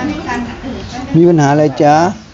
มีปัญหาอะไรจ๊ะ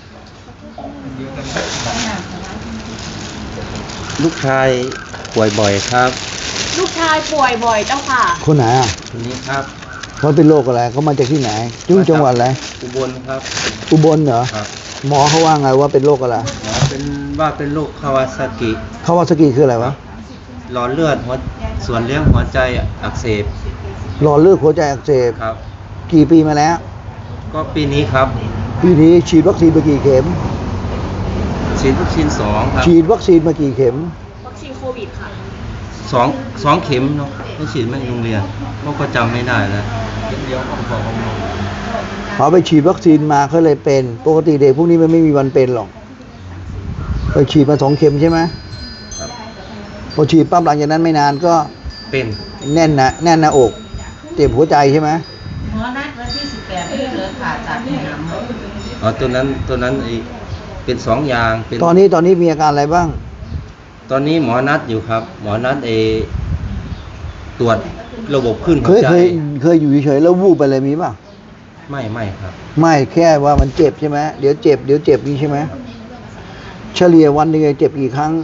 ลูกชายป่วยบ่อยครับลูกชายป่วยบ่อยเจ้าค่ะคนไหนอ่ะคนนี้ครับเขาเป็นโรคอะไรเขามาจากที่ไหนจังหวัดอะไรอุบลครับอุบลเหรอครับหมอเขาว่าไงว่าเป็นโรคอะไรหมอเป็นโรคคาวาซากิคืออะไรวะหลอดเลือดส่วนเลี้ยงหัวใจอักเสบหลอดเลือดหัวใจอักเสบครับกี่ปีมาแล้วก็ปีนี้ครับปีนี้ฉีดวัคซีนมากี่เข็มฉีดวัคซีน2ครับฉีดวัคซีนมากี่เข็มวัคซีนโควิดค่ะ 2เข็มเนาะไม่ฉีดไม่โรงเรียนก็จำไม่ได้แล้วเดียวของเขาไปฉีดวัคซีนมาเขาเลยเป็นปกติเด็กพวกนี้มันไม่มีวันเป็นหรอกไปฉีดมา2 เข็มใช่ไหมครับพอฉีดปั๊บหลังจากนั้นไม่นานก็เป็นแน่นหน้าอกเจ็บหัวใจใช่ไหมหมอนัดวันที่18นี่เลยผ่าตัดให้หำตัวนั้นเป็น2อย่างเป็นตอนนี้มีอาการอะไรบ้างตอนนี้หมอนัดอยู่ครับหมอนัดตรวจระบบขึ้นหัวใจเคยอยู่เฉยๆแล้ววูบไปเลยมีป่ะไม่ครับไม่แค่ว่ามันเจ็บใช่ไหมเดี๋ยวเจ็บนี่ใช่ไหมเฉลี่ยวันหนึ่งเจ็บกี่ครั้ง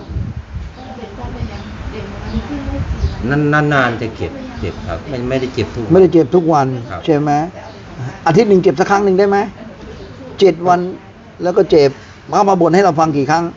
นานจะเจ็บครับไม่ได้เจ็บทุกวันไม่ได้เจ็บทุกวันใช่ไหมอาทิตย์หนึ่งเจ็บสักครั้งหนึ่งได้ไหม7 วันแล้วก็เจ็บมาบ่นให้เราฟังกี่ครั้ง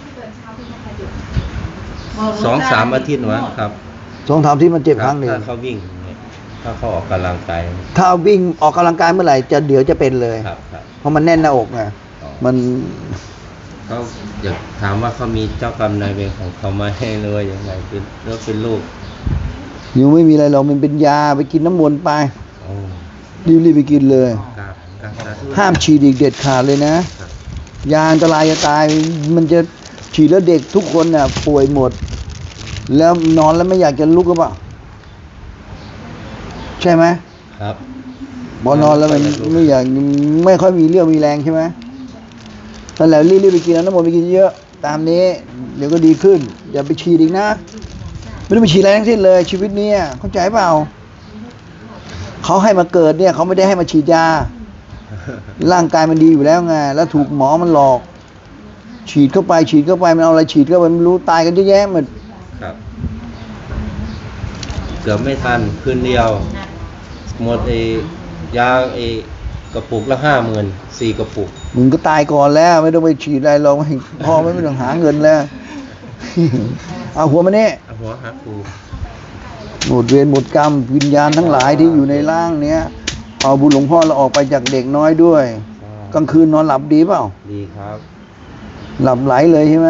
2-3 อาทิตย์วะครับ 2-3 อาทิตย์มันเจ็บครั้งหนึ่งถ้าเขาวิ่งถ้าเขาออกกำลังกายถ้าวิ่งออกกำลังกายเมื่อไหร่เดี๋ยวจะเป็นเลยครับเพราะมันแน่นหน้าอกไงมันเขาอยากถามว่าเขามีเจ้ากรรมนายเวรของเขามาให้เลยยังไงเป็นลูกยังไม่มีอะไรหรอกมันเป็นยาไปกินน้ำมนต์ไปรีบไปกินเลยห้ามฉีดอีกเด็ดขาดเลยนะยาอันตรายจะตายมันจะฉีดแล้วเด็กทุกคนน่ะป่วยหมดแล้วนอนแล้วไม่อยากจะลุกหรือเปล่าใช่ไหมครับพอนอนแล้วมันไม่ค่อยมีเรี่ยวมีแรงใช่ไหมนั่นแหละรีบไปกินน้ำมนต์ไปกินเยอะตามนี้เดี๋ยวก็ดีขึ้นอย่าไปฉีดอีกนะไม่ต้องไปฉีดอะไรทั้งสิ้นเลยชีวิตนี้เข้าใจเปล่าเขาให้มาเกิดเนี่ยเขาไม่ได้ให้มาฉีดยาร่างกายมันดีอยู่แล้วไงแล้วถูกหมอมันหลอกฉีดเข้าไปมันเอาอะไรฉีดก็มันรู้ตายกันเยอะแยะหมดครับเกือบไม่ทันคืนเดียวหมดยากระปุกละ50,000 4 กระปุกมึงก็ตายก่อนแล้วไม่ต้องไปฉีดอะไรหรอกพ่อไม่ต้องหาเงินแล้วเอาหัวมาเนี่ยหัวหาครูหมดเวรหมดกรรมวิญญาณทั้งหลายที่อยู่ในร่างเนี้ยเอาบุญหลวงพ่อเราออกไปจากเด็กน้อยด้วยกลางคืนนอนหลับดีเปล่าดีครับหลับไหลเลยใช่ไหม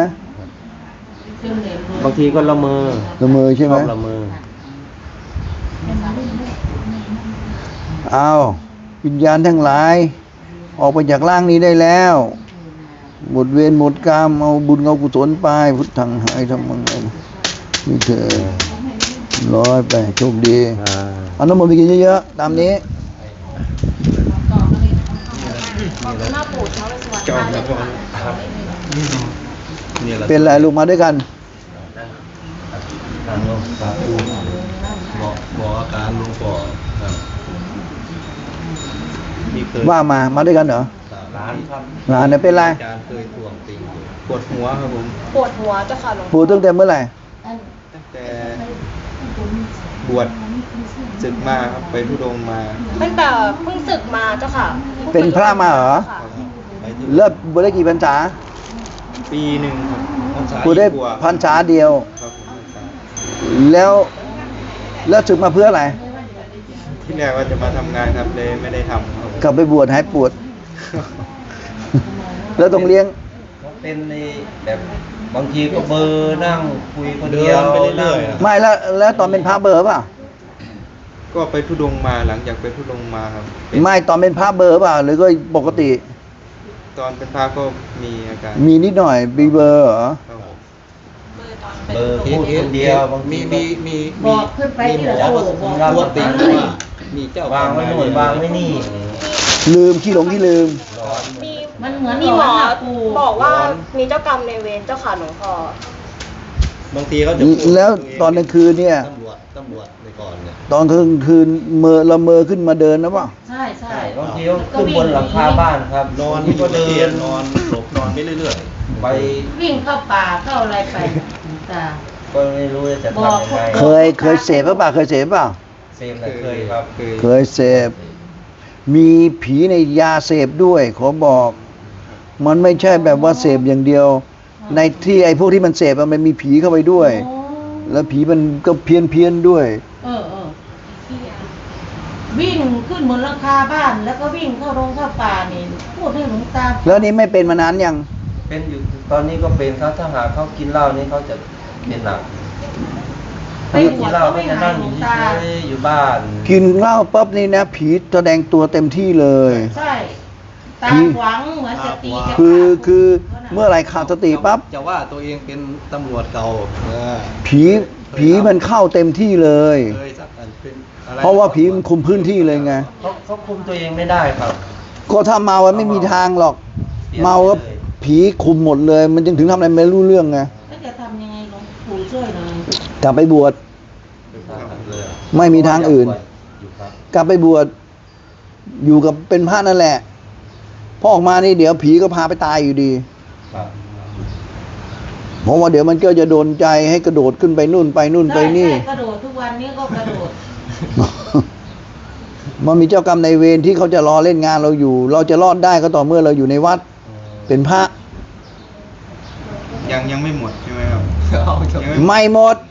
บางทีก็ละเมอใช่ไหมละเมอเอาวิญญาณทั้งหลายออกไปจากร่างนี้ได้แล้วหมดเวรหมดกรรมเอาบุญเอากุศลไปพุทธังหายธรรมังนี่เธอร้อยไปโชคดีเอาน้ำมนต์ไปกินเยอะๆตามนี้จอมแล้วก็ครับเป็นไรลูกมาด้วยกันบอกอาการลุงปอว่ามาด้วยกันเหรอร้านเนี่ยเป็นไรอาจารย์เคยทวงติงปวดหัวครับผมปวดหัวเจ้าค่ะหลวงพ่อปวดตั้งแต่เมื่อไหร่ตั้งแต่บวชศึกมาครับไปธุดงค์มาตั้งแต่เพิ่งศึกมาเจ้าค่ะเป็นพระมาเหรอเลิกบวชได้กี่พรรษาปีหนึ่งครับบวชได้พรรษาเดียวแล้วศึกมาเพื่ออะไรที่แรกว่าจะมาทำงานครับเลยไม่ได้ทำครับกลับไปบวชหายปวดแล้วต้องเลี้ยงเป็นในแบบบางทีก็เบอร์นั่งคุยคนเดียวไปเรื่อยๆไม่แล้วตอนเป็นพระเบอร์ป่ะก็ไปธุดงค์มาหลังจากไปธุดงค์มาครับไม่ตอนเป็นพระเบอร์ป่ะหรือก็ปกติตอนเป็นพระก็มีอาการมีนิดหน่อยบีเบอร์เหรอเบอร์พูดคนเดียวบางทีมีบอกขึ้นไปที่เราตัวติดมีเจ้าวางไว้หน่วยวางไว้นี่ลืมขี้หลงที่ลืมมันเหมือนมีหมอบอกว่ามีเจ้ากรรมในเวรเจ้าค่ะหลวงพ่อบางทีเขาจะแล้วตอนกลางคืนเนี่ยตำรวจในก่อนเนี่ยตอนคืนละเมอขึ้นมาเดินนะวะใช่ใช่บางทีก็ขึ้นบนหลังคาบ้านครับนอนก็เดิเดินนนอนหลบนอนไปเรื่อยไปวิ่งเข้าป่าเข้าอะไรไปจ้าก็ไม่รู้จะบอกทำยังไงเคยเสพหรือเปล่าเคยเสพเปล่าเซฟนะเคยครับเคยเสพมีผีในยาเสพด้วยขอบอก มันไม่ใช่แบบว่าเสพอย่างเดียว ในที่ไอ้พวกที่มันเสพอะมันมีผีเข้าไปด้วยโอ้แล้วผีมันก็เพี้ยนด้วยเออวิ่งขึ้นบนหลังคาบ้านแล้วก็วิ่งเข้าโรงเข้าป่านี่พูดให้หลวงตาแล้วนี่ไม่เป็นมานานยังเป็นอยู่ตอนนี้ก็เป็นครับถ้าหากเขากินเหล้านี่เขาจะเป็นหนักไปบกิวน ชเหล้าก็ก็ไม่จะหานั่ยงหลอวยู่งตาเฉยๆอยู่บ้านกินเหล้าปั๊บนี่นะผีแสดงตัวเต็มที่เลยใช่ตาผีขวางเหมือนจะตีจะคือเมื่อไหรขาดสติปั๊บจะว่าตัวเองเป็นตำรวจเก่าเนี่ยผีมันเข้าเต็มที่เลยเคยสักอันเป็นอะไรเพราะว่าผีมันคุมพื้นที่เลยไงเขาคุมตัวเองไม่ได้ครับก็ถ้าเมามันไม่มีทางหรอกเปลี่ยนเมาก็ไปเลยผีคุมหมดเลย มันจึงถึงทำอะไรไม่รู้เรื่องไงแล้วจะทำยังไงหลวงปู่ช่วยหน่อยกลับไปบวชเลยไม่มีทางอื่นอยู่ครับกลับไปบวชอยู่กับเป็นพระนั่นแหละพอออกมานี่เดี๋ยวผีก็พาไปตายอยู่ดีครับเพราะว่าเดี๋ยวมันก็จะโดนใจให้กระโดดขึ้นไปนู่นไปนู่นไปนี่ใช่กระโดดทุกวันนี้ก็กระโดดมันมีเจ้ากรรมนายเวรที่เขาจะรอเล่นงานเราอยู่ เราจะรอดได้ก็ต่อเมื่อเราอยู่ในวัด เป็นพระยังไม่หมดใช่ไหมครับ ยังไม่ไม่หมด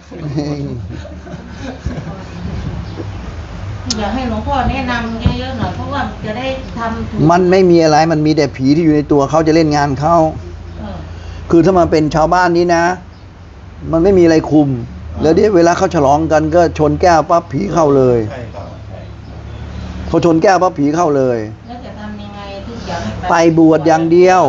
อยากให้หลวงพ่อแนะนำเยอะๆหน่อยเพราะว่าจะได้ทำถูกมันไม่มีอะไรมันมีแต่ผีที่อยู่ในตัวเขาจะเล่นงานเขาเออคือถ้ามันเป็นชาวบ้านนี้นะ มันไม่มีอะไรคุม แล้วเดี๋ยวเวลาเขาฉลองกันก็ชนแก้วปั๊บผีเข้าเลยใช่ครับพอชนแก้วปั๊บผีเข้าเลยแล้วจะทำยังไงที่อยากให้ไปบวชอย่างเดียว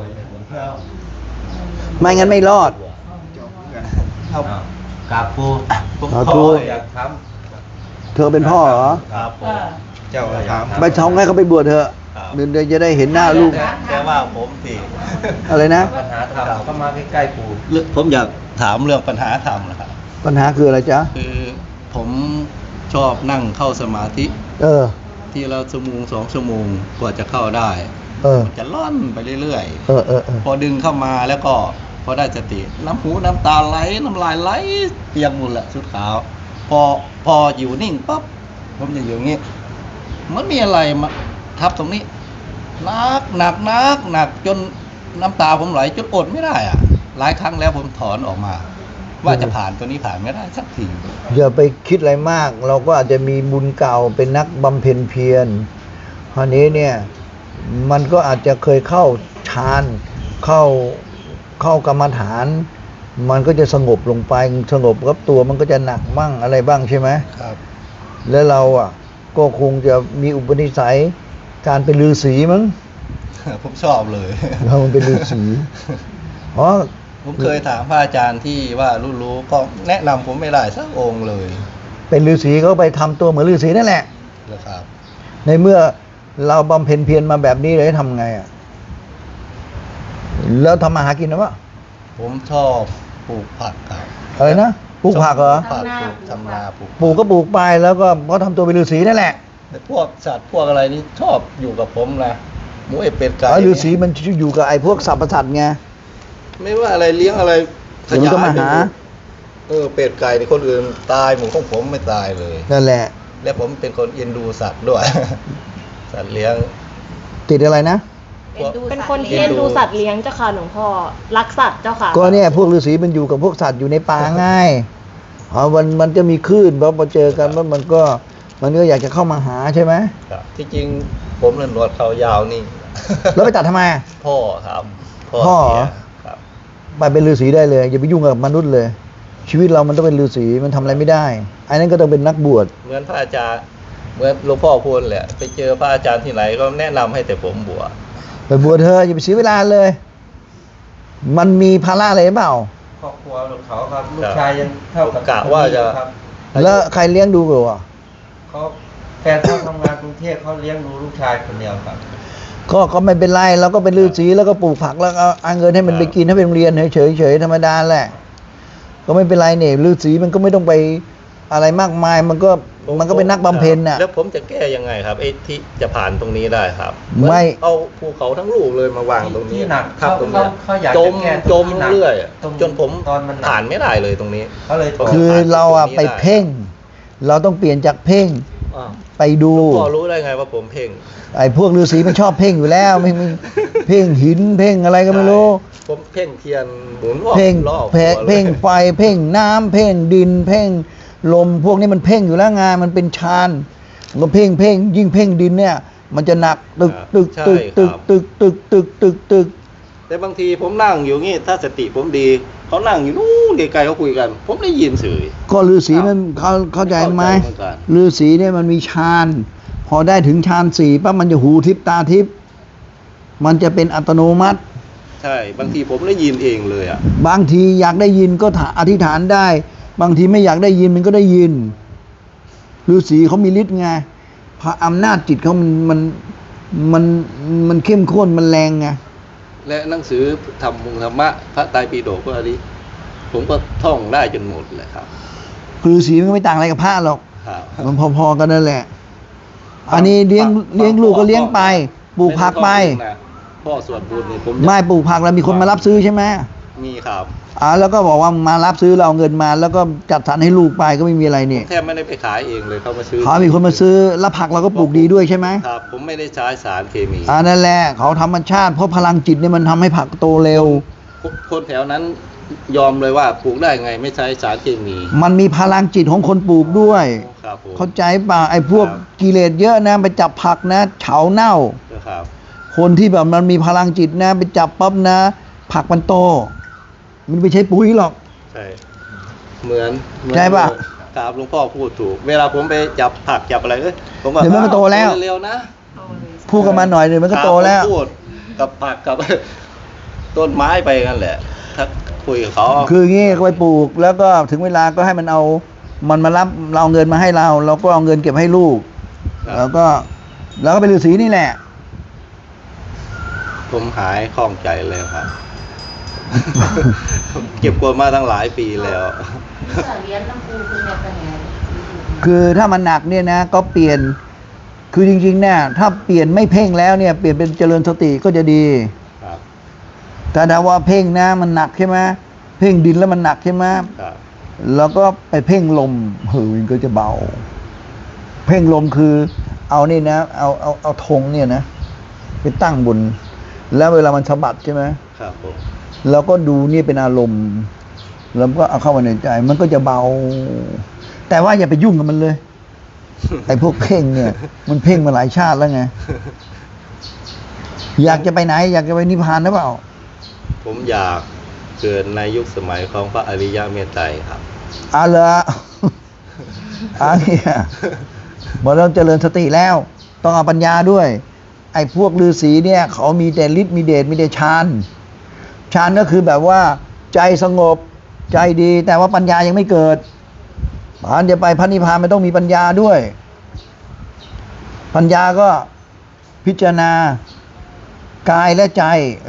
ไม่งั้นไม่รอดครับกราบครูสาธุอยากทเธอเป็นพ่อเหรอครับผเอมอเจ้าถามไปท้องให้เขาไปบวชเถอะครับเดี๋ยวจะได้เห็นหน้าลูกแต่ว่าผมสิอะไรนะำปัญหาธรรมเข้ามาใกล้ๆครูผมอยากถามเรื่องปัญหาธรรมนะครับปัญหาคืออะไรจ๊ะคือผมชอบนั่งเข้าสมาธิเออที่เราชั่วโมง2 ชั่วโมงกว่าจะเข้าได้เออจะล่อนไปเรื่อยเออเออเออพอดึงเข้ามาแล้วก็พอได้สติน้ำหูน้ำตาไหลน้ำลายไหลเปียกหมดแหละชุดขาว พออยู่นิ่งปั๊บผมจะอยู่อย่างนี้มันมีอะไรมาทับตรงนี้หนักจนน้ำตาผมไหลจนอดไม่ได้อะหลายครั้งแล้วผมถอนออกมา ว่าจะผ่านตัวนี้ผ่านไม่ได้สักทีอย่าไปคิดอะไรมาก เราก็อาจจะมีบุญเก่าเป็นนักบำเพ็ญเพียรคราวนี้เนี่ย มันก็อาจจะเคยเข้าฌานเข้ากรรมฐาน มันก็จะสงบลงไปสงบกับตัวมันก็จะหนักมั่งอะไรบ้างใช่ไหมครับแล้วเราอ่ะ ก็คงจะมีอุปนิสัยการเป็นฤาษีมั้งผมชอบเลยเรามันเป็นฤาษีอ๋อผมเคยถามพระอาจารย์ที่ว่ารู้ๆก็แนะนำผมไม่ได้สักองค์เลยเป็นฤาษีก็ไปทำตัวเหมือนฤาษีนั่นแหละนะครับในเมื่อเราบำเพ็ญเพียรมาแบบนี้เลยทำไงอ่ะแล้วทำมาหากินนะวะผมชอบปลูกผักครับอะไรนะปลูกผักเหรอผักปลูกทำนาปลูกปลูกก็ปลูกไปแล้วก็เพราะทำตัวเป็นฤาษีนั่นแหละแต่พวกสัตว์พวกอะไรนี่ชอบอยู่กับผมนะหมูเป็ดไก่ฤาษีมันอยู่กับไอ้พวกสรรพสัตว์ไงไม่ว่าอะไรเลี้ยงอะไรเดี๋ยวมันก็มาหาเป็ดไก่นี่คนอื่นตายหมูของผมไม่ตายเลยนั่นแหละและผมเป็นคนเอ็นดูสัตว์ด้วย สัตว์เลี้ยงติดอะไรนะเป็นคนที่เอ็นดูสัตว์เลี้ยงเจ้าค่ะหลวงพ่อรักสัตว์เจ้าค่ะก็เนี่ยพวกฤาษีมันอยู่กับพวกสัตว์อยู่ในป่าง่ายมันจะมีคลื่นพอเจอกันมันก็อยากจะเข้ามาหาใช่ไหมครับที่จริงผมเล่นหนวดเขายาวนี่แล้วไปตัดทำไมพ่อครับพ่อเหรอเสียครับไปเป็นฤาษีได้เลยอย่าไปยุ่งกับมนุษย์เลย ชีวิตเรามันต้องเป็นฤาษีมันทำอะไรไม่ได้ไอ้นั้นก็ต้องเป็นนักบวชเหมือนพระอาจารย์เหมือนหลวงพ่อพูดแหละ ไปเจอพระอาจารย์ที่ไหนก็แนะนำให้แต่ผมบวชไปบวชเธอะอย่าไปเสียเวลาเลย มันมีภาระอะไรเปล่าครอบครัวเขาครับลูกชายยังเท่ากับกะว่าจะครับแล้วใครเลี้ยงดูกูอ่ะเขาแฟนเขาทำงานกรุงเทพเขาเลี้ยงดูลูกชายคนเดียวครับก็ไม่เป็นไรเราก็เป็นฤาษีแล้วก็ปลูกผักแล้วก็เอาเงินให้มันไปกินให้ไปโรงเรียนเฉยๆธรรมดาแหละ ก็ไม่เป็นไรเนี่ยฤาษีมันก็ไม่ต้องไปอะไรมากมายมันก็เป็นนักบำเพ็ญน่ะแล้วผมจะแก้ยังไงครับไอ้ที่จะผ่านตรงนี้ได้ครับไม่เอาภูเขาทั้งลูกเลยมาวางตรงนี้ที่หนักครับตรงนี้เขาอยากจจะมแก้จตรงมที่หนักเรื่อยตรงจนผมตอนมันหนักผ่านไม่ได้เลยตรงนี้เขาเลยบอกคือเราอะไปเพ่ง เราต้องเปลี่ยนจากเพ่งอ้าวไปดูพ่อรู้ได้ไงว่าผมเพ่งไอ้พวกฤาษีมันชอบเพ่งอยู่แล้วไม่เพ่งหินเพ่งอะไรก็ไม่รู้ผมเพ่งเทียนหมุนรอบเพ่งรอบแผลหัวลยเพ่งไฟเพ่งน้ำเพ่งดิน เพ่งลมพวกนี้มันเพ่งอยู่แล้วไงมันเป็นฌานมันก็เพ่งยิ่งเพ่งดินเนี่ย มันจะหนักตึกใช่ตึกครับตึกตึกตึกตึกตึกแต่บางทีผมนั่งอยู่งี้ถ้าสติผมดีเขานั่งอยู่นู้นไกลๆเขาคุยกัน ผมได้ยินเฉยก็ฤาษีมันเข้าใจไหมเข้าใจเหมือนกันฤาษีเนี่ยมันมีฌานพอได้ถึงฌานสี่ปั๊บมันจะหูทิพตาทิพมันจะเป็นอัตโนมัติใช่ บางทีผมได้ยินเองเลยอ่ะบางทีอยากได้ยินก็อธิษฐานได้ บางทีไม่อยากได้ยินมันก็ได้ยินฤาษีเขามีฤทธิ์ไงพระอำนาจจิตเขามันเข้มข้นมันแรงไงและหนังสือธรรมะพระไตรปิฎกพวกนี้ผมก็ท่องได้จนหมดเลยครับฤาษีมันก็ไม่ต่างอะไรกับพระหรอกครับมันพอๆกันนั่นแหละ อันนี้เลี้ยงลูกก็เลี้ยงไปปลูกผักไปพ่อสวดบุญนี่ผมไม่ปลูกผักแล้วมีคนมารับซื้อใช่ไหมมีครับแล้วก็บอกว่ามารับซื้อเราเอาเงินมา แล้วก็จัดสรรให้ลูกไปก็ไม่มีอะไรนี่แทบไม่ได้ไปขายเองเลยเขามาซื้อเขามีคนมาซื้อแล้วผักเราก็ปลูกดีด้วยใช่ไหมครับ ผมไม่ได้ใช้สารเคมีนั่นแหละเขาธรรมชาติเพราะพลังจิตเนี่ยมันทำให้ผักโตเร็วคนแถวนั้นยอมเลยว่าปลูกได้ไงไม่ใช้สารเคมีมันมีพลังจิตของคนปลูกด้วยครับผมเข้าใจป่ะไอ้พวกครับกิเลสเยอะนะไปจับผักนะเฉาเน่าครับคนที่แบบมันมีพลังจิตนะไปจับปั๊บนะ ผักมันโต มันไม่ใช่ปุ๋ยหรอกใช่เหมือนใช่ปะครับหลวงพ่อพูดถูก เวลาผมไปจับผักจับอะไรผมก็เดี๋ยวมันก็โตแล้วเร็วๆนะพูดกันมาหน่อยเดี๋ยวมันก็โตแล้วครับผมพูดกับผักกับ ต้นไม้ไปกันแหละ ถ้าคุยกับเขาคืองี้ก็ไปปลูกแล้วก็ถึงเวลาก็ให้มันเอามันมารับเราเอาเงินมาให้เราเราก็เอาเงินเก็บให้ลูก แล้วก็เป็นฤาษีนี่แหละผมหายคล่องใจเลยครับ เก็บกดมาตั้งหลายปีแล้วเรียนน้ำปูคือเนี่ยเป็นไงคือถ้ามันหนักเนี่ยนะก็เปลี่ยนคือจริงๆเนี่ยถ้าเปลี่ยนไม่เพ่งแล้วเนี่ยเปลี่ยนเป็นเจริญสติก็จะดีครับแต่ถ้าว่าเพ่งนะมันหนักใช่ไหมเพ่งดินแล้วมันหนักใช่ไหมครับแล้วก็ไปเพ่งลมมันก็จะเบา เพ่งลมคือเอานี่นะเอาธงเนี่ยนะไปตั้งบน แล้วเวลามันสะบัดใช่ไหมครับผมเราก็ดูนี่เป็นอารมณ์แล้วก็เอาเข้ามาในใจ มันก็จะเบา แต่ว่าอย่าไปยุ่งกับมันเลย ไอ้พวกเพ่งเนี่ย มันเพ่งมาหลายชาติแล้วไง อยากจะไปไหน อยากจะไปนิพพานหรือเปล่าผมอยากเกิดในยุคสมัยของพระอริยเมตไตรครับเหรอ เนี่ยบอกเราเจริญสติแล้ว ต้องเอาปัญญาด้วย ไอ้พวกฤาษีเนี่ย เขามีแต่ฤทธิ์มีเดชมีแต่ฌานฌานก็คือแบบว่า ใจสงบใจดี แต่ว่าปัญญายังไม่เกิดผ่านจะไปพระนิพพานมันต้องมีปัญญาด้วย ปัญญาก็พิจารณากายและใจ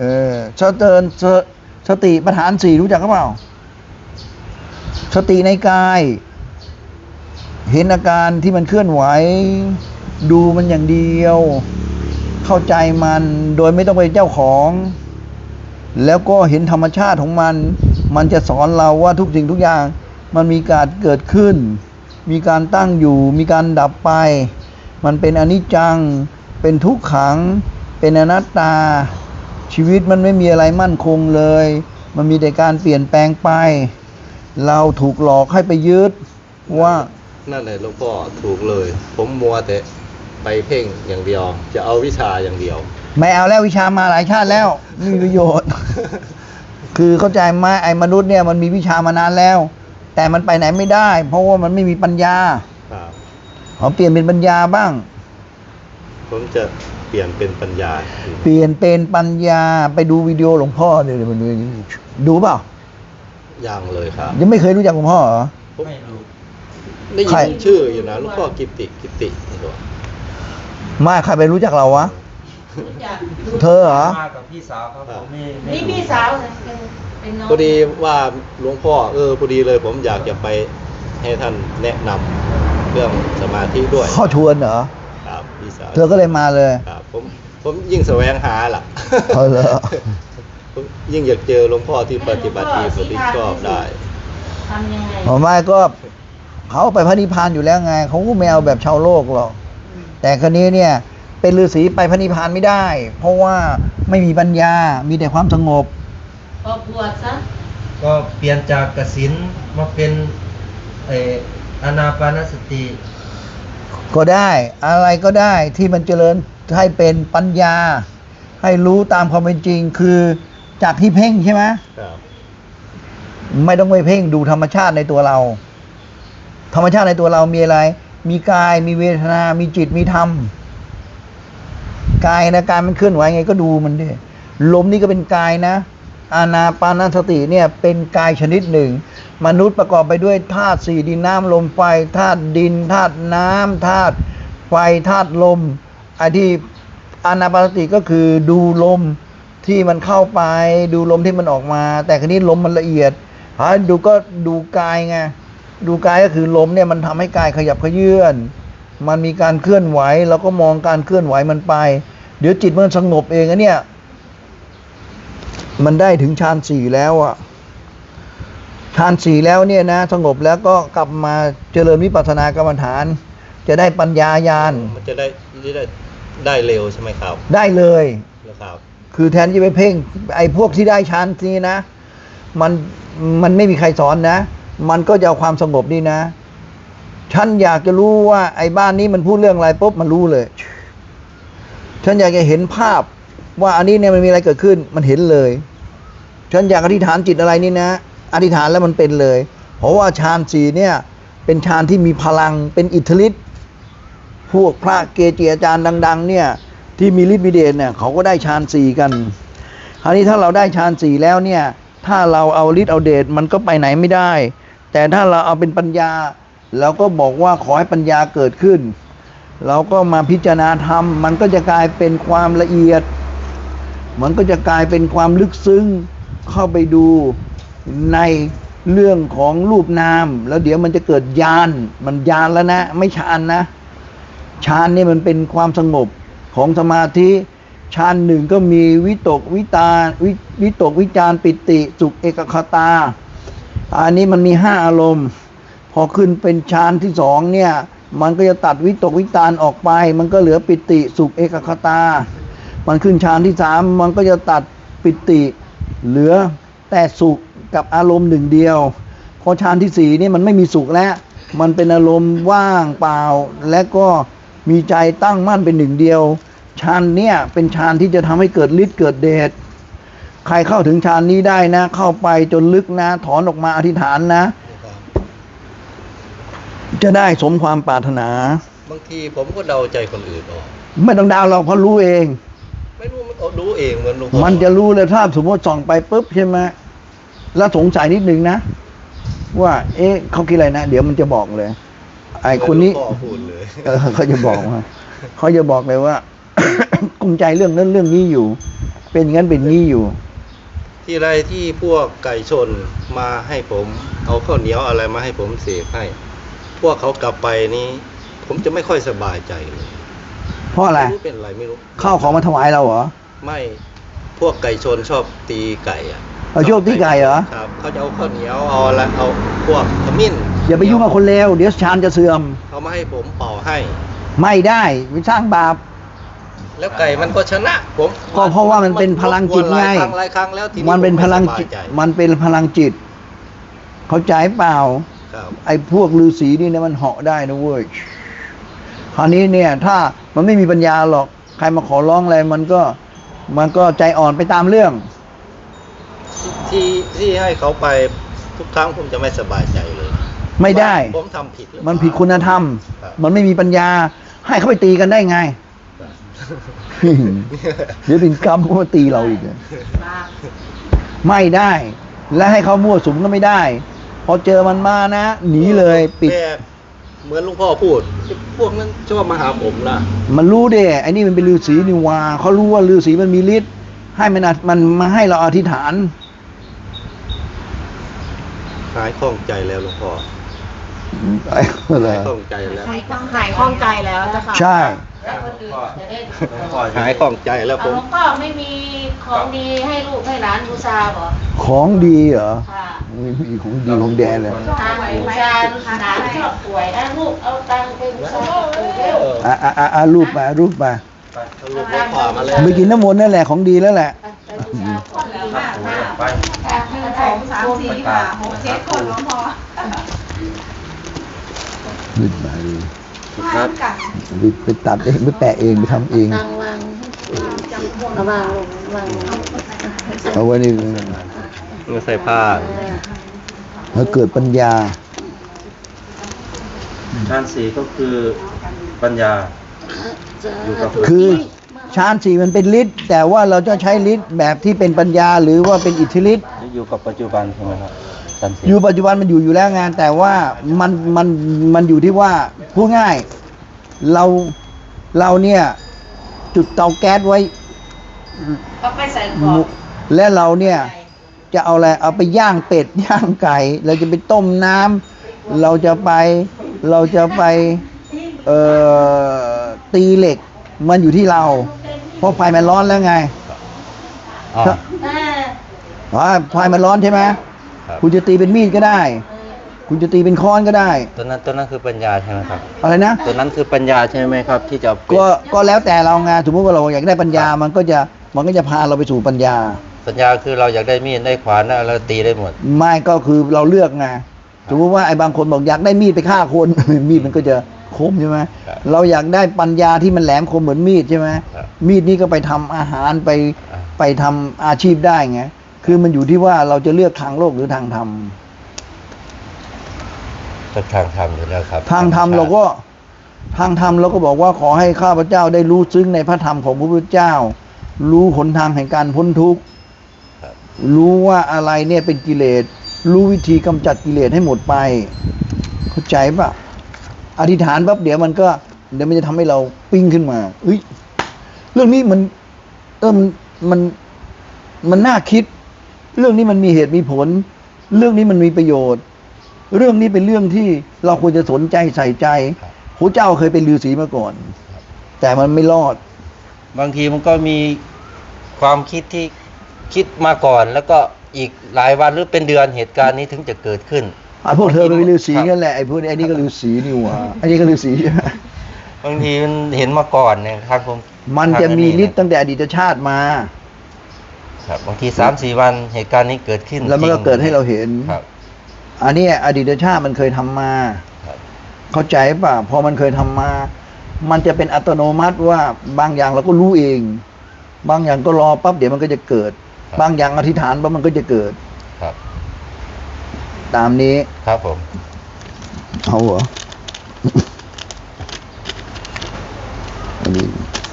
สติปัฏฐานสี่รู้จักหรือเปล่า สติในกาย เห็นอาการที่มันเคลื่อนไหว ดูมันอย่างเดียว เข้าใจมันโดยไม่ต้องไปเจ้าของ แล้วก็เห็นธรรมชาติของมัน มันจะสอนเราว่าทุกสิ่งทุกอย่าง มันมีการเกิดขึ้น มีการตั้งอยู่ มีการดับไป มันเป็นอนิจจัง เป็นทุกขัง เป็นอนัตตา ชีวิตมันไม่มีอะไรมั่นคงเลย มันมีแต่การเปลี่ยนแปลงไป เราถูกหลอกให้ไปยึดว่านั่นแหละหลวงพ่อถูกเลย ผมมัวแต่ไปเพ่งอย่างเดียว จะเอาวิชาอย่างเดียวไม่เอาแล้ววิชามาหลายชาติแล้วไม่มีประโยชน์ คือเข้าใจไหมไอ้มนุษย์เนี่ยมันมีวิชามานานแล้ว แต่มันไปไหนไม่ได้ เพราะว่ามันไม่มีปัญญาครับขอเปลี่ยนเป็นปัญญาบ้างผมจะเปลี่ยนเป็นปัญญาเปลี่ยนเป็นปัญญาไปดูวิดีโอหลวงพ่อเดี๋ยวมันดูเปล่ายังเลยครับยังไม่เคยรู้จักหลวงพ่อเหรอไม่รู้ได้ใครยินชื่ออยู่นะหลวงพ่อกิตินี่ตัวไม่ใครไปรู้จักเราวะรู้จักเธอเหรอมากับพี่สาวครับผมไม่นี่รู้พี่สาวนะเป็นน้องพอดีว่าหลวงพ่อพอดีเลยผมอยากจะไปให้ท่านแนะนำเรื่องสมาธิด้วยข้อชวนเหรอครับพี่สาวเธอก็เลยมาเลยครับผมยิ่งแสวงหาล่ะเอาเหรอผมยิ่งอยากเจอหลวงพ่อที่ปฏิบัติดีปฏิชอบได้ทำยังไงผมว่าก็เขาไปพระนิพพานอยู่แล้วไงเขาก็ไม่เอาแบบชาวโลกหรอกแต่คนนี้เนี่ยเป็นฤาษีไปพระนิพพานไม่ได้ เพราะว่าไม่มีปัญญา มีแต่ความสงบพอบวชซะก็เปลี่ยนจากกสิณมาเป็นอานาปานสติก็ได้อะไรก็ได้ที่มันเจริญให้เป็นปัญญา ให้รู้ตามความเป็นจริงคือจากที่เพ่งใช่ไหมครับไม่ต้องไปเพ่งดูธรรมชาติในตัวเรา ธรรมชาติในตัวเรามีอะไร มีกายมีเวทนา มีจิตมีธรรมกายนะกายมันเคลื่อนไหวไงก็ดูมันดิลมนี่ก็เป็นกายนะ อานาปานสติเนี่ยเป็นกายชนิดหนึ่ง มนุษย์ประกอบไปด้วยธาตุสี่ดินน้ำลมไฟธาตุดินธาตุน้ำธาตุไฟธาตุลมไอ้ที่อานาปานสติก็คือดูลมที่มันเข้าไปดูลมที่มันออกมา แต่คราวนี้ลมมันละเอียดดูก็ดูกายไงดูกายก็คือลมเนี่ยมันทำให้กายขยับเขยื้อนมันมีการเคลื่อนไหวเราก็มองการเคลื่อนไหวมันไป เดี๋ยวจิตมันสงบเองอะเนี่ยมันได้ถึงฌานสี่แล้วอ่ะฌานสี่แล้วเนี่ยนะสงบแล้วก็กลับมาเจริญวิปัสสนากรรมฐาน จะได้ปัญญาญาณมันจะได้เร็วใช่ไหมครับได้เลยนะครับคือแทนที่ไปเพ่งไอ้พวกที่ได้ฌานนี้นะมันไม่มีใครสอนนะ มันก็จะเอาความสงบนี่นะฉันอยากจะรู้ว่าไอ้บ้านนี้มันพูดเรื่องอะไรปุ๊บมันรู้เลยฉันอยากจะเห็นภาพว่าอันนี้เนี่ยมันมีอะไรเกิดขึ้นมันเห็นเลยฉันอยากอธิษฐานจิตอะไรนี่นะอธิษฐานแล้วมันเป็นเลยเพราะว่าฌานสี่เนี่ยเป็นฌานที่มีพลังเป็นอิทธิฤทธิ์พวกพระเกจิอาจารย์ดังๆเนี่ยที่มีฤทธิ์มีเดชเนี่ยเขาก็ได้ฌานสี่กันคราวนี้ถ้าเราได้ฌานสี่แล้วเนี่ยถ้าเราเอาฤทธิ์เอาเดชมันก็ไปไหนไม่ได้แต่ถ้าเราเอาเป็นปัญญาเราก็บอกว่าขอให้ปัญญาเกิดขึ้นเราก็มาพิจารณาธรรมมันก็จะกลายเป็นความละเอียดมันก็จะกลายเป็นความลึกซึ้งเข้าไปดูในเรื่องของรูปนามแล้วเดี๋ยวมันจะเกิดญาณมันญาณแล้วนะไม่ฌานนะฌานนี่มันเป็นความสงบของสมาธิฌานหนึ่งก็มีวิตกวิตารวิตกวิจารปิติสุขเอกคตาอันนี้มันมี5อารมณ์พอขึ้นเป็นฌานที่2เนี่ยมันก็จะตัดวิตกวิจารออกไปมันก็เหลือปิติสุขเอกคตามันขึ้นฌานที่3มันก็จะตัดปิติเหลือแต่สุขกับอารมณ์หนึ่งเดียวพอฌานที่4นี่มันไม่มีสุขแล้วมันเป็นอารมณ์ว่างเปล่าและก็มีใจตั้งมั่นเป็นหนึ่งเดียวฌานเนี่ยเป็นฌานที่จะทำให้เกิดฤทธิ์เกิดเดชใครเข้าถึงฌานนี้ได้นะเข้าไปจนลึกนะถอนออกมาอธิษฐานนะจะได้สมความปรารถนาบางทีผมก็เดาใจคนอื่นออกไม่ต้องดาวเราเพราะรู้เองไม่รู้มันรู้เองเหมือนหลวงพ่อมันจะรู้เลยถ้าสมมติส่องไปปุ๊บใช่ไหมแล้วสงสัยนิดนึงนะว่าเอ๊ะเขาคิดอะไรนะเดี๋ยวมันจะบอกเลยไอ้คนนี้หลวงพ่อพูดเลยเขาจะบอกว่าเขาจะบอกเลยว่า กุมใจเรื่องนั้นเรื่องนี้อยู่ เป็นงั้นเป็นงี้อยู่ที่ไรที่พวกไก่ชนมาให้ผมเอาข้าวเหนียวอะไรมาให้ผมเสกให้พวกเขากลับไปนี้ผมจะไม่ค่อยสบายใจเลยเพราะอะไรไม่รู้เป็นอะไรไม่รู้ข้าวของมาถวายเราเหรอไม่พวกไก่ชนชอบตีไก่อ่ะเอาโชคตีไก่เหรอครับเขาจะเอาข้าวเหนียวเอาอะไรเอาพวกขมิ้นอย่าไปยุ่งกับคนเลวเดี๋ยวฌานจะเสื่อมเขามาให้ผมเป่าให้ไม่ได้ไปสร้างบาปแล้วไก่มันก็ชนะผมก็เพราะว่ามันเป็นพลังจิตไงหลายครั้งแล้วทีมันเป็นพลังจิตผมไม่สบายใจมันเป็นพลังจิต เข้าใจเปล่าครับไอ้พวกฤาษีนี่เนี่ยมันเหาะได้นะเว้ย คราวนี้เนี่ยถ้ามันไม่มีปัญญาหรอก ใครมาขอร้องอะไรมันก็ใจอ่อนไปตามเรื่องที่ให้เขาไปทุกครั้งผมจะไม่สบายใจเลยไม่ได้ผมทำผิดหรือเปล่ามันผิดคุณธรรมครับมันไม่มีปัญญา ให้เขาไปตีกันได้ไง เดี๋ยวเป็นกรรมเขามาตีเราอีกอะบาปไม่ได้ และให้เขามั่วสุมก็ไม่ได้ พอเจอมันมานะ หนีเลยปิดแต่เหมือนหลุงพ่อพูดพวกนั้นชอบมาหาผมนะมันรู้ดิไอ้นี่มันเป็นฤาษีนี่วาเขารู้ว่าฤาษีมันมีฤทธิ์ให้มันมาให้เราอธิษฐานหายคล่องใจแล้วหลวงพ่อไอ้อะไรข้องใจแล้วหายข้องใจแล้วเจ้าค่ะใช่แล้วคนอื่นจะได้หายข้องใจแล้วเอาผหลมวงพ่อไม่มีของดีให้ลูกให้หลานบูชาบ่ของดีเหรอค่ะไม่มีของดีของแดนเลยทานบูชาหลานชอบป่วยนะลูกเอาตังค์ไปบูชาปู่เร็วรูปมารูปมาลูกพ่อมาเลยไปกินน้ำมนต์นั่นแหละของดีแล้วแหละไปบูชาของดีมากมากไป 1 2 3 4 5 6 7 คนหลวงพ่อขึ้นมาดูครับไปตัดเองไปแปะเองไปทำเองตังวางระวางลงวางเอาไว้นี่มือใส่ผ้าแล้วเกิดปัญญาฌานสี่ก็คือปัญญา อยู่กับคือฌานสี่มันเป็นฤทธิ์แต่ว่าเราจะใช้ฤทธิ์แบบที่เป็นปัญญาหรือว่าเป็นอิทธิฤทธิ์อยู่กับปัจจุบันใช่ไหมครับฌานสี่อยู่ปัจจุบันมันอยู่แล้วงานแต่ว่ามันอยู่ที่ว่าพูดง่ายเราเนี่ยจุดเตาแก๊สไว้ก็ไปใส่กรอบและเราเนี่ยจะเอาอะไรเอาไปย่างเป็ดย่างไก่ เราจะไปต้มน้ำเราจะไปตีเหล็กมันอยู่ที่เรา เพราะไฟมันร้อนแล้วไงอ๋อไฟมันร้อนใช่ไหมครับคุณจะตีเป็นมีดก็ได้ คุณจะตีเป็นค้อนก็ได้ตัวนั้นคือปัญญาใช่ไหมครับอะไรนะตัวนั้นคือปัญญาใช่ไหมครับ ที่จะเอาไปก็แล้วแต่เราไงสมมติว่าเราอยากได้ปัญญามันก็จะพาเราไปสู่ปัญญาปัญญาคือเราอยากได้มีดได้ขวานได้เราตีได้หมดไม่ก็คือเราเลือกไงสมมติว่าไอ้บางคนบอกอยากได้มีดไปฆ่าคน มีดมันก็จะคมใช่ไหมครับเราอยากได้ปัญญาที่มันแหลมคมเหมือนมีดใช่ไหมครับมีดนี่ก็ไปทำอาหารไปอ่าไปทำอาชีพได้ไงคือมันอยู่ที่ว่าเราจะเลือกทางโลกหรือทางธรรมก็ทางธรรมอยู่แล้วครับทางธรรมเราก็บอกว่าขอให้ข้าพเจ้าได้รู้ซึ้งในพระธรรมของพระพุทธเจ้า รู้หนทางแห่งการพ้นทุกข์ครับรู้ว่าอะไรเนี่ยเป็นกิเลส รู้วิธีกำจัดกิเลสให้หมดไป เข้าใจปะอธิษฐานปั๊บเดี๋ยวมันจะทำให้เราปิ้งขึ้นมาเฮ้ยเรื่องนี้มันน่าคิด เรื่องนี้มันมีเหตุมีผล เรื่องนี้มันมีประโยชน์ เรื่องนี้เป็นเรื่องที่เราควรจะสนใจใส่ใจพระเจ้าเคยเป็นฤาษีมาก่อน แต่มันไม่รอดบางทีมันก็มีความคิดที่คิดมาก่อน แล้วก็อีกหลายวันหรือเป็นเดือนเหตุการณ์นี้ถึงจะเกิดขึ้นพวกเธอเป็นฤาษีกันแหละไอ้พวกนี้ไอ้นี่ก็ฤาษีนี่หว่าไอ้นี่ก็ฤาษีใช่ไหมบางทีมันเห็นมาก่อนเนี่ยครับผมมันจะมีฤทธิ์ตั้งแต่อดีตชาติมาครับบางที3-4 วันเหตุการณ์นี้เกิดขึ้นแล้วมันก็จริงเกิดให้เราเห็นครับอันนี้อดีตชาติมันเคยทำมาครับเข้าใจป่ะพอมันเคยทำมา มันจะเป็นอัตโนมัติว่าบางอย่างเราก็รู้เอง บางอย่างก็รอปั๊บเดี๋ยวมันก็จะเกิด บางอย่างอธิษฐานปั๊บมันก็จะเกิดครับตามนี้ครับผมเอาเหรอ อันนี้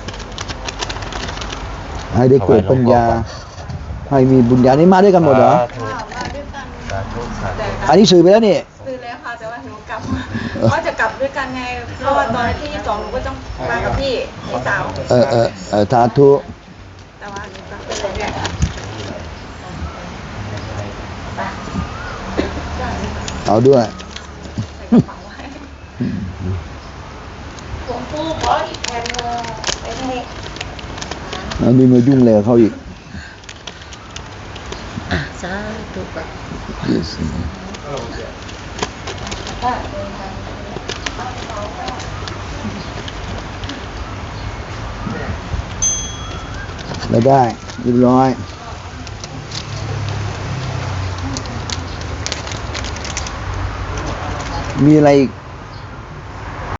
ให้ได้เกิดปัญญา ให้มีบุญญานี่มาด้วยกันหมดเหรอสาธุสาธุสาธุอันนี้สื่อไปแล้วนี่ซื้อแล้วค่ะแต่ว่าหนูกลับว่าจะกลับด้วยกันไงเพราะว่าตอนที่22หนูก็ต้องมากับพี่สาวสาธุแต่ว่าหนูกลับไปเลยเนี่ยเอาด้วยใส่กระเป๋าไว้หลวงปู่ขออีกแผ่นหนึงไปให้อันนี้มายุ่งเลยกับเขาอีกสาธุไม่ได้เรียบร้อย มีอะไรอีก